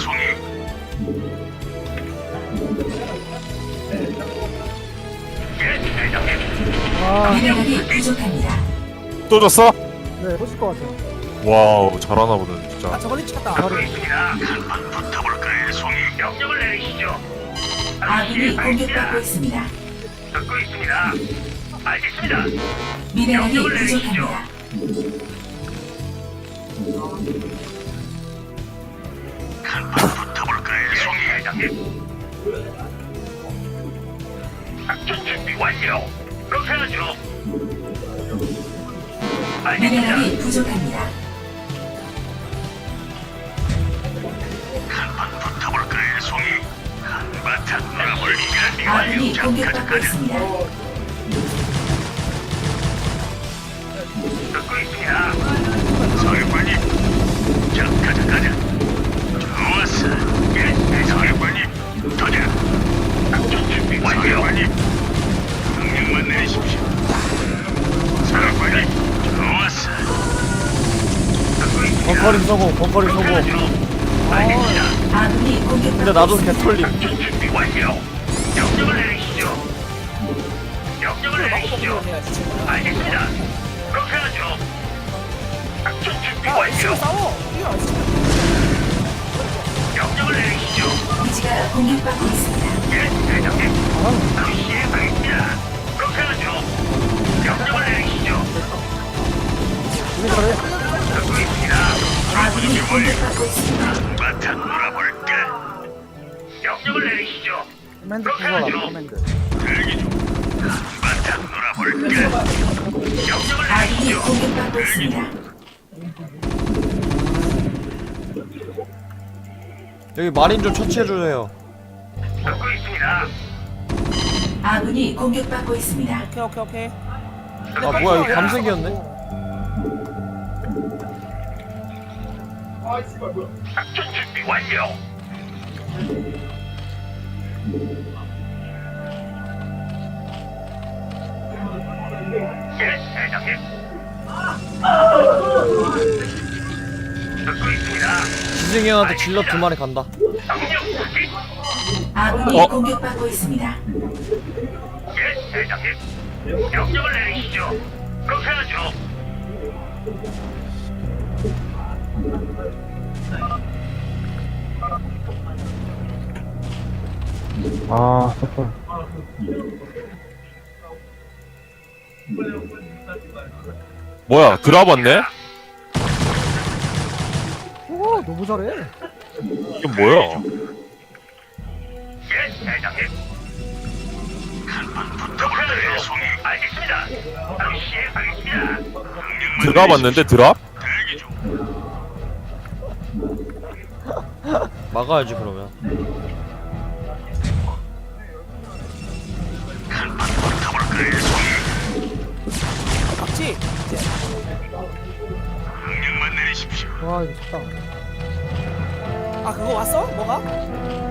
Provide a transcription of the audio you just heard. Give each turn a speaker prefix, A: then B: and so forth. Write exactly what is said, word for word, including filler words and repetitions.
A: 송이. 예, 대장님.
B: 아,
C: 미네랄이 부족합니다.
D: 또 졌어?
B: 네, 해보실 것 같아요.
D: 와우 잘하나 보네
B: 아,
D: 진짜.
B: 저걸리 찍혔다.
A: 듣고 있습니다. 한번 붙어볼까요, 송이? 명령을 내리시죠.
C: 아군이 공격받고 있습니다.
A: 듣고 있습니다. 알겠습니다.
C: 미네랄이
A: 명령을 내리시죠.
C: 부족합니다.
A: 한번 붙어볼까요, 송이? 대장님. 작전 준비 완료. 그렇게 하죠. 알겠습니다.
C: 미네랄이 부족합니다.
A: 한번 붙어볼까요, 송이? 한바탕 놀아볼 준비 완료.
C: 아군이
A: 자,
C: 공격받고
A: 가자, 가자.
C: 있습니다.
A: 듣고 있습니다. 사령관님. 자, 가자, 가자. 좋았어. 예, 사령관님. 가자. 작전 준비 완료. 사령관님. 명령만 내리십시오. 사령관님. 좋았어. 듣고 있습니다.
E: 벙커링 성공, 벙커링 성공.
A: 알겠습니다.
C: 아군이 공격받고
E: 근데 나도
C: 있습니다.
E: 개털림.
A: 작전 준비 완료. 명령을 내리시죠. 명령을 내리시죠. 알겠습니다. 그렇게 하죠. 작전 준비
B: 야, 지금
A: 완료.
B: 싸워. 이거 안 지금.
A: 명령을 내리시죠.
C: 기지가 공격받고 있습니다.
A: 예, 대장님. 바로 시행하겠습니다. 그렇게 하죠. 명령을 내리시죠.
B: 이게 저래.
A: 듣고 있습니다.
C: 아군이 공격받고 있습니다.
A: 바탕 놀아볼까? 명령을 내리시죠.
B: 커맨드
A: 그렇게
B: 부서라,
A: 하죠.
B: 커맨드.
A: 대기 중. 바탕 놀아볼까? 명령을
C: 아군이
A: 내리시죠.
C: 공격받고 있습니다.
E: 여기 마린 좀 처치해주세요.
A: 듣고 있습니다.
C: 아군이 공격받고 있습니다.
B: 오케이, 오케이, 오케이.
E: 아 뭐야 이거 감색이었네?
A: 작전 준비 완료. 예, 대장님. 듣고 있습니다.
E: 지승이 형한테 질럿 두 마리 간다.
A: 명령 확인.
C: 아군이
E: 어?
C: 공격받고 있습니다.
A: 예, 대장님. 명령을 내리시죠. 그렇게 하죠.
D: 아 좋다. 뭐야 드랍 왔네?
B: 오, 너무 잘해.
D: 이게 뭐야?
A: 예, 대장님. 한번 붙어볼까요, 송이? 알겠습니다. 바로 시행하겠습니다. 명령만
D: 드랍 왔는데
A: 내리십시오.
D: 드랍?
A: 대기 중.
E: 막아야지 그러면.
A: 한번 붙어볼까요, 송이?
B: 박지.
A: 명령만 내리십시오.
B: 와, 이거 좋다. 아, 그거 왔어? 뭐가?